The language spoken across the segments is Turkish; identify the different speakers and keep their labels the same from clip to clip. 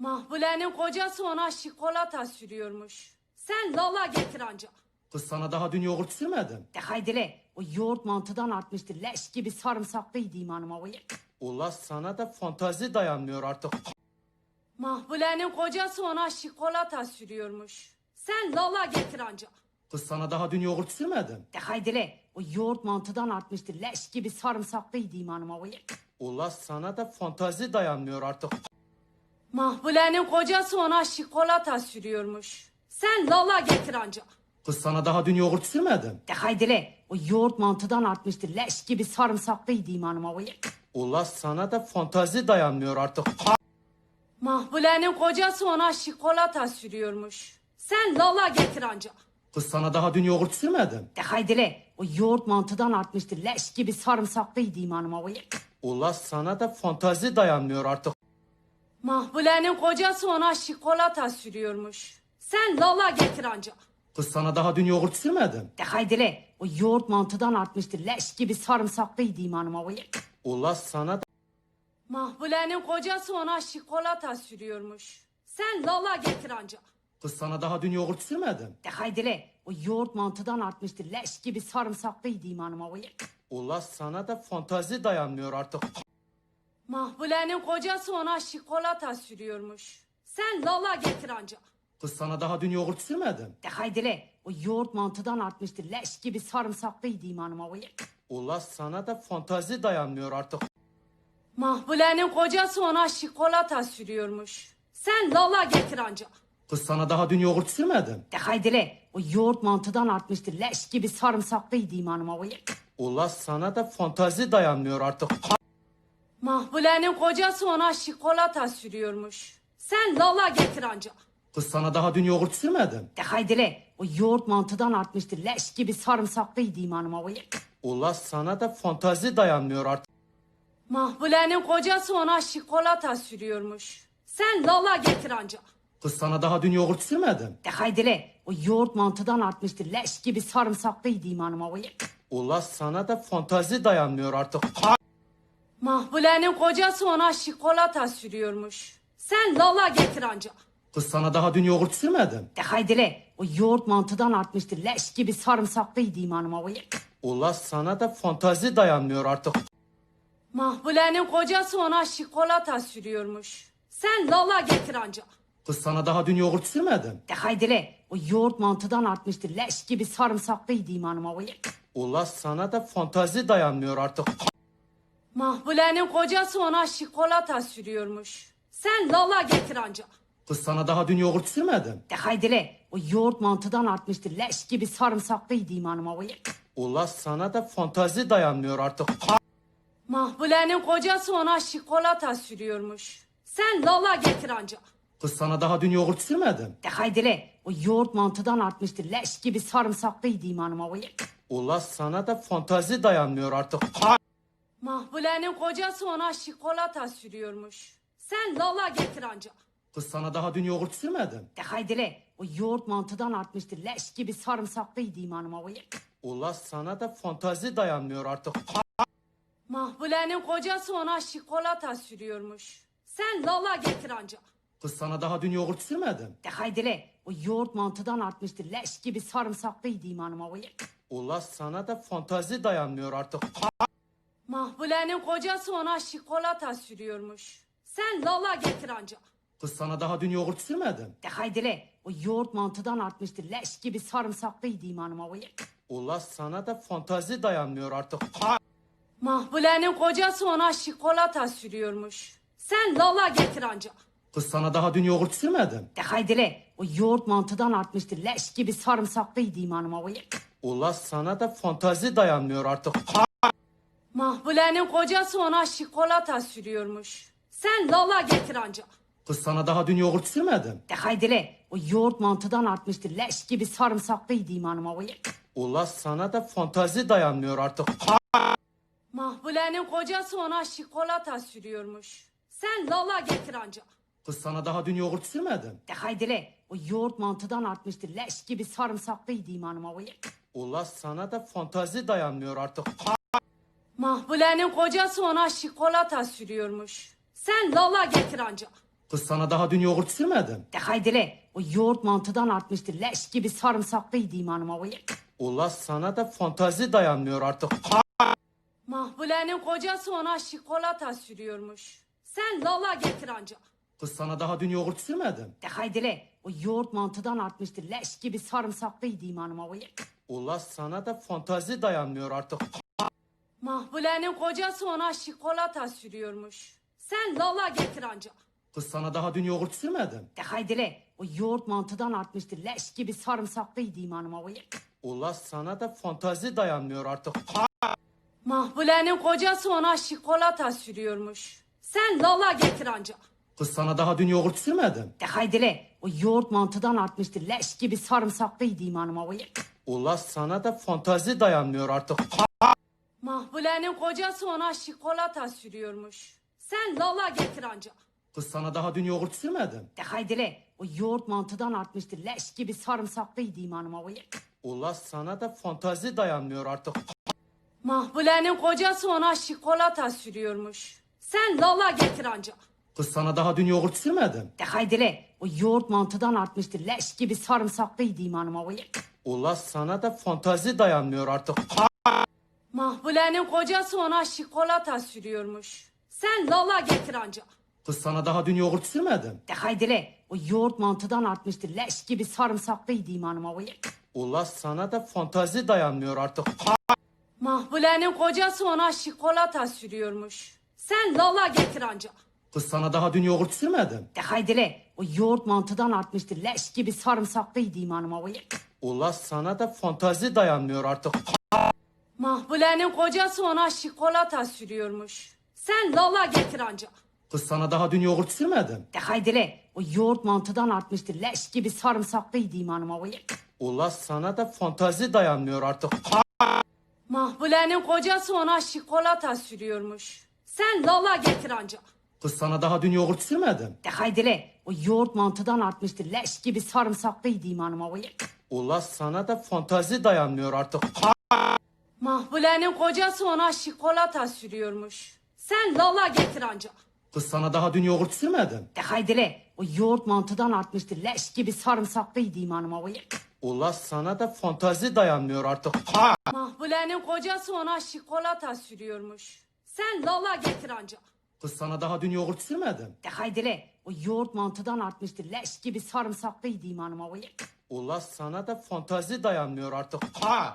Speaker 1: Mahbule'nin kocası ona şikolata sürüyormuş. Sen lala getir anca.
Speaker 2: Kız sana daha dün yoğurt sürmedim.
Speaker 1: De haydile, o yoğurt mantıdan artmıştır. Leş gibi sarımsaklıydı imanıma o yık.
Speaker 2: Ula sana da fantazi dayanmıyor artık.
Speaker 1: Mahbule'nin kocası ona şikolata sürüyormuş. Sen lala getir anca.
Speaker 2: Kız sana daha dün yoğurt sürmedim.
Speaker 1: De haydile, o yoğurt mantıdan artmıştır. Leş gibi sarımsaklıydı imanıma o yık.
Speaker 2: Ula sana da fantazi dayanmıyor artık.
Speaker 1: Mahbule'nin kocası ona şikolata sürüyormuş. Sen lala getir anca.
Speaker 2: Kız sana daha dün yoğurt sürmedim.
Speaker 1: De haydile, o yoğurt mantıdan artmıştır. Leş gibi sarımsaklıydı imanıma o yık.
Speaker 2: Ula sana da fantazi dayanmıyor artık.
Speaker 1: Mahbule'nin kocası ona şikolata sürüyormuş. Sen lala getir anca.
Speaker 2: Kız sana daha dün yoğurt sürmedim.
Speaker 1: De haydile, o yoğurt mantıdan artmıştır. Leş gibi sarımsaklıydı imanıma o yık.
Speaker 2: Ula sana da fantazi dayanmıyor artık.
Speaker 1: Mahbule'nin kocası ona şikolata sürüyormuş. Sen lala getir anca.
Speaker 2: Kız sana daha dün yoğurt sürmedim.
Speaker 1: De haydile, o yoğurt mantıdan artmıştır. Leş gibi sarımsaklıydı imanıma o yık.
Speaker 2: Ula sana da...
Speaker 1: Mahbule'nin kocası ona şikolata sürüyormuş. Sen lala getir anca.
Speaker 2: Kız sana daha dün yoğurt sürmedim.
Speaker 1: De haydile, o yoğurt mantıdan artmıştır. Leş gibi sarımsaklıydı imanıma o yık.
Speaker 2: Ula sana da fantazi dayanmıyor artık.
Speaker 1: Mahbule'nin kocası ona şikolata sürüyormuş. Sen lala getir anca.
Speaker 2: Kız sana daha dün yoğurt sürmedim.
Speaker 1: De haydile, o yoğurt mantıdan artmıştır. Leş gibi sarımsaklıydı imanıma o yık.
Speaker 2: Ula sana da fantazi dayanmıyor artık.
Speaker 1: Mahbule'nin kocası ona şikolata sürüyormuş. Sen lala getir anca.
Speaker 2: Kız sana daha dün yoğurt sürmedim.
Speaker 1: De haydile, o yoğurt mantıdan artmıştır. Leş gibi sarımsaklıydı imanıma o yık.
Speaker 2: Ula sana da fantazi dayanmıyor artık.
Speaker 1: Mahbule'nin kocası ona şikolata sürüyormuş. Sen lala getir anca.
Speaker 2: Kız sana daha dün yoğurt sürmedim.
Speaker 1: De haydile, o yoğurt mantıdan artmıştır. Leş gibi sarımsaklıydı imanıma o yık.
Speaker 2: Ula sana da fantazi dayanmıyor artık.
Speaker 1: Mahbule'nin kocası ona şikolata sürüyormuş. Sen lala getir anca.
Speaker 2: Kız sana daha dün yoğurt sürmedim.
Speaker 1: De haydile, o yoğurt mantıdan artmıştır. Leş gibi sarımsaklıydı imanıma o yık.
Speaker 2: Ula sana da fantazi dayanmıyor artık.
Speaker 1: Mahbule'nin kocası ona şikolata sürüyormuş. Sen lala getir anca.
Speaker 2: Kız sana daha dün yoğurt sürmedim.
Speaker 1: De haydile, o yoğurt mantıdan artmıştır. Leş gibi sarımsaklıydı imanıma o yık.
Speaker 2: Ula sana da fantazi dayanmıyor artık.
Speaker 1: Mahbule'nin kocası ona şikolata sürüyormuş. Sen lala getir anca.
Speaker 2: Kız sana daha dün yoğurt sürmedim.
Speaker 1: De haydile, o yoğurt mantıdan artmıştır. Leş gibi sarımsaklıydı imanıma o yık.
Speaker 2: Ula sana da fantazi dayanmıyor artık.
Speaker 1: Mahbule'nin kocası ona şikolata sürüyormuş. Sen lala getir anca.
Speaker 2: Kız sana daha dün yoğurt sürmedim.
Speaker 1: De haydile, o yoğurt mantıdan artmıştır. Leş gibi sarımsaklıydı imanıma o yık.
Speaker 2: Ula sana da fantazi dayanmıyor artık.
Speaker 1: Mahbule'nin kocası ona şikolata sürüyormuş. Sen lala getir anca.
Speaker 2: Kız sana daha dün yoğurt sürmedim.
Speaker 1: De haydile, o yoğurt mantıdan artmıştır. Leş gibi sarımsaklıydı imanıma o yık.
Speaker 2: Ula sana da fantazi dayanmıyor artık.
Speaker 1: Mahbule'nin kocası ona şikolata sürüyormuş. Sen lala getir anca.
Speaker 2: Kız sana daha dün yoğurt sürmedim.
Speaker 1: De haydile, o yoğurt mantıdan artmıştır. Leş gibi sarımsaklıydı imanıma o yık.
Speaker 2: Ula sana da fantazi dayanmıyor artık.
Speaker 1: Mahbule'nin kocası ona şikolata sürüyormuş. Sen lala getir anca.
Speaker 2: Kız sana daha dün yoğurt sürmedim.
Speaker 1: De haydile, o yoğurt mantıdan artmıştır. Leş gibi sarımsaklıydı imanıma o yık.
Speaker 2: Ula sana da fantazi dayanmıyor artık.
Speaker 1: Mahbule'nin kocası ona şikolata sürüyormuş. Sen lala getir anca.
Speaker 2: Kız sana daha dün yoğurt sürmedim.
Speaker 1: De haydile, o yoğurt mantıdan artmıştır. Leş gibi sarımsaklıydı imanıma o yık.
Speaker 2: Ula sana da fantazi dayanmıyor artık.
Speaker 1: Mahbule'nin kocası ona şikolata sürüyormuş. Sen lala getir anca.
Speaker 2: Kız sana daha dün yoğurt sürmedim.
Speaker 1: De haydile, o yoğurt mantıdan artmıştır. Leş gibi sarımsaklıydı imanıma o yık.
Speaker 2: Ula sana da fantazi dayanmıyor artık.
Speaker 1: Mahbule'nin kocası ona şikolata sürüyormuş. Sen lala getir anca.
Speaker 2: Kız sana daha dün yoğurt sürmedim.
Speaker 1: De haydile, o yoğurt mantıdan artmıştır. Leş gibi sarımsaklıydı imanıma o yık.
Speaker 2: Ula sana da fantazi dayanmıyor artık.
Speaker 1: Mahbule'nin kocası ona şikolata sürüyormuş. Sen lala getir anca.
Speaker 2: Kız sana daha dün yoğurt sürmedim.
Speaker 1: De haydile, o yoğurt mantıdan artmıştır. Leş gibi sarımsaklıydı imanıma o yık.
Speaker 2: Ula sana da fantazi dayanmıyor artık.
Speaker 1: Mahbule'nin kocası ona şikolata sürüyormuş. Sen lala getir anca.
Speaker 2: Kız sana daha dün yoğurt sürmedim.
Speaker 1: De haydele. O yoğurt mantıdan artmıştır. Leş gibi sarımsaklıydı imanıma o yık.
Speaker 2: Ula sana da fantazi dayanmıyor artık.
Speaker 1: Mahbule'nin kocası ona şikolata sürüyormuş. Sen lala getir anca.
Speaker 2: Kız sana daha dün yoğurt sürmedim.
Speaker 1: De haydele. O yoğurt mantıdan artmıştır. Leş gibi sarımsaklıydı imanıma o yık.
Speaker 2: Ula sana da fantazi dayanmıyor artık.
Speaker 1: Mahbule'nin kocası ona şikolata sürüyormuş. Sen lala getir anca.
Speaker 2: Kız sana daha dün yoğurt sürmedim.
Speaker 1: De haydele. O yoğurt mantıdan artmıştır. Leş gibi sarımsaklıydı imanıma o yık.
Speaker 2: Ula sana da fantazi dayanmıyor artık.
Speaker 1: Mahbule'nin kocası ona şikolata sürüyormuş. Sen lala getir anca.
Speaker 2: Kız sana daha dün yoğurt sürmedim.
Speaker 1: De haydele. O yoğurt mantıdan artmıştır. Leş gibi sarımsaklıydı imanıma o yık.
Speaker 2: Ula sana da fantazi dayanmıyor artık.
Speaker 1: Mahbule'nin kocası ona şikolata sürüyormuş. Sen lala getir anca.
Speaker 2: Kız sana daha dün yoğurt sürmedim.
Speaker 1: De haydele. O yoğurt mantıdan artmıştır. Leş gibi sarımsaklıydı imanıma o yık.
Speaker 2: Ula sana da fantazi dayanmıyor artık.
Speaker 1: Mahbule'nin kocası ona şikolata sürüyormuş. Sen lala getir anca.
Speaker 2: Kız sana daha dün yoğurt sürmedim.
Speaker 1: De haydele. O yoğurt mantıdan artmıştır. Leş gibi sarımsaklıydı imanıma o yık.
Speaker 2: Ula sana da fantazi dayanmıyor artık.
Speaker 1: Mahbule'nin kocası ona şikolata sürüyormuş. Sen lala getir anca.
Speaker 2: Kız sana daha dün yoğurt sürmedim.
Speaker 1: De haydele. O yoğurt mantıdan artmıştır. Leş gibi sarımsaklıydı imanıma o yık.
Speaker 2: Ula sana da fantazi dayanmıyor artık.
Speaker 1: Mahbule'nin kocası ona şikolata sürüyormuş. Sen lala getir anca.
Speaker 2: Kız sana daha dün yoğurt sürmedim.
Speaker 1: De haydele. O yoğurt mantıdan artmıştır. Leş gibi sarımsaklıydı imanıma o yık.
Speaker 2: Ula sana da fantazi dayanmıyor artık.
Speaker 1: Mahbule'nin kocası ona şikolata sürüyormuş. Sen lala getir anca.
Speaker 2: Kız sana daha dün yoğurt sürmedim.
Speaker 1: De haydele. O yoğurt mantıdan artmıştır. Leş gibi sarımsaklıydı imanıma o yık.
Speaker 2: Ula sana da fantazi dayanmıyor artık.
Speaker 1: Mahbule'nin kocası ona şikolata sürüyormuş. Sen lala getir anca.
Speaker 2: Kız sana daha dün yoğurt sürmedim.
Speaker 1: De haydele. O yoğurt mantıdan artmıştır. Leş gibi sarımsaklıydı imanıma o yık.
Speaker 2: Ula sana da fantazi dayanmıyor artık.
Speaker 1: Mahbule'nin kocası ona şikolata sürüyormuş. Sen lala getir anca.
Speaker 2: Kız sana daha dün yoğurt sürmedim.
Speaker 1: De haydele. O yoğurt mantıdan artmıştır. Leş gibi sarımsaklıydı imanıma o yık.
Speaker 2: Ula sana da fantazi dayanmıyor artık.
Speaker 1: Mahbule'nin kocası ona şikolata sürüyormuş. Sen lala getir anca.
Speaker 2: Kız sana daha dün yoğurt sürmedim.
Speaker 1: De haydele. O yoğurt mantıdan artmıştır. Leş gibi sarımsaklıydı imanıma o yık.
Speaker 2: Ula sana da fantazi dayanmıyor artık.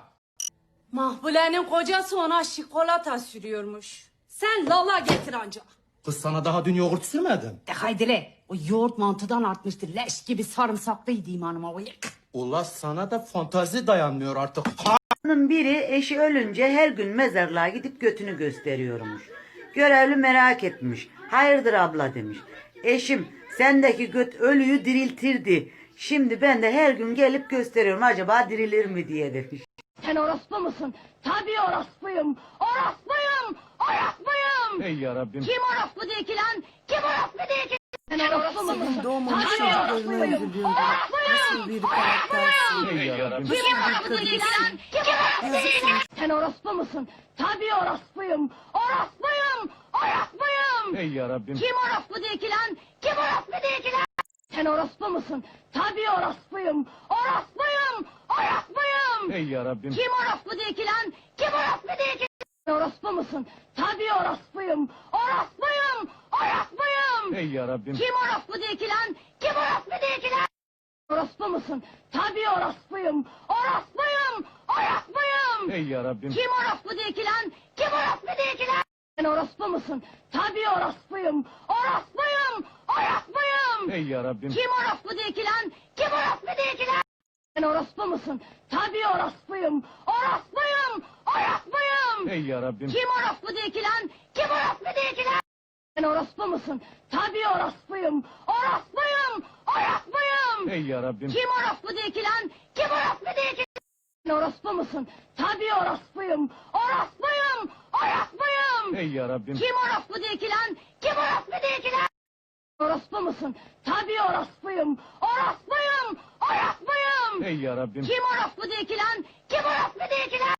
Speaker 1: Mahbule'nin kocası ona şikolata sürüyormuş. Sen lala getir anca.
Speaker 2: Kız sana daha dün yoğurt sürmedim.
Speaker 1: De haydele. O yoğurt mantıdan artmıştır. Leş gibi sarımsaklıydı imanıma o yık.
Speaker 2: Ula sana da fantazi dayanmıyor artık.
Speaker 3: Kadının biri eşi ölünce her gün mezarlığa gidip götünü gösteriyormuş. Görevli merak etmiş. Hayırdır abla demiş. Eşim sendeki göt ölüyü diriltirdi. Şimdi ben de her gün gelip gösteriyorum. Acaba dirilir mi diye demiş.
Speaker 1: Sen orospu musun? Tabii orospuyum. Orospuyum. Orospuyum.
Speaker 4: Ey yarabbim.
Speaker 1: Kim orospu değil ki lan? Kim orospu değil ki? Sen orospu musun?
Speaker 5: Doğmamış
Speaker 1: Tabii
Speaker 5: çocuklarını
Speaker 1: orospuyum.
Speaker 5: öldürüyordu. Nasıl bir karaktersin?
Speaker 4: Ey yarabbim.
Speaker 1: Kim orospu değil ki lan? Kim orospu değil ki? Sen orospu musun? Tabii orospuyum. Orospuyum. Orospuyum.
Speaker 4: Ey yarabbim.
Speaker 1: Kim orospu değil ki lan? Kim orospu değil ki lan? Sen orospu musun? Tabii orospuyum. Orospuyum. Orospuyum.
Speaker 4: Ey yarabbim.
Speaker 1: Kim orospu değil ki lan? Kim orospu değil ki? Sen orospu musun? Tabii orospuyum. Orospuyum. Orospuyum.
Speaker 4: Ey yarabbim.
Speaker 1: Kim orospu değil ki lan? Kim orospu değil ki lan? Orospu musun? Tabii orospuyum. Orospuyum. Orospuyum.
Speaker 4: Ey yarabbim.
Speaker 1: Kim orospu değil ki lan? Kim orospu değil ki lan? Sen orospu musun? Tabii orospuyum. Orospuyum. Orospuyum.
Speaker 4: Ey yarabbim.
Speaker 1: Kim orospu değil ki lan? Kim orospu değil ki lan? Sen orospu musun? Tabii orospuyum. Orospuyum. Orospuyum.
Speaker 4: Ey yarabbim.
Speaker 1: Kim orospu değil ki lan? Kim orospu değil ki lan? Sen orospu musun? Tabii orospuyum. Orospuyum. Orospuyum.
Speaker 4: Ey yarabbim.
Speaker 1: Kim orospu değil ki lan? Kim orospu değil ki? Sen orospu musun? Tabii orospuyum. Orospuyum. Orospuyum.
Speaker 4: Ey yarabbim.
Speaker 1: Kim orospu değil ki lan? Kim orospu değil ki lan? Orospu musun? Tabii orospuyum. Orospuyum. Orospuyum.
Speaker 4: Ey yarabbim.
Speaker 1: Kim orospu değil ki lan? Kim orospu değil ki lan?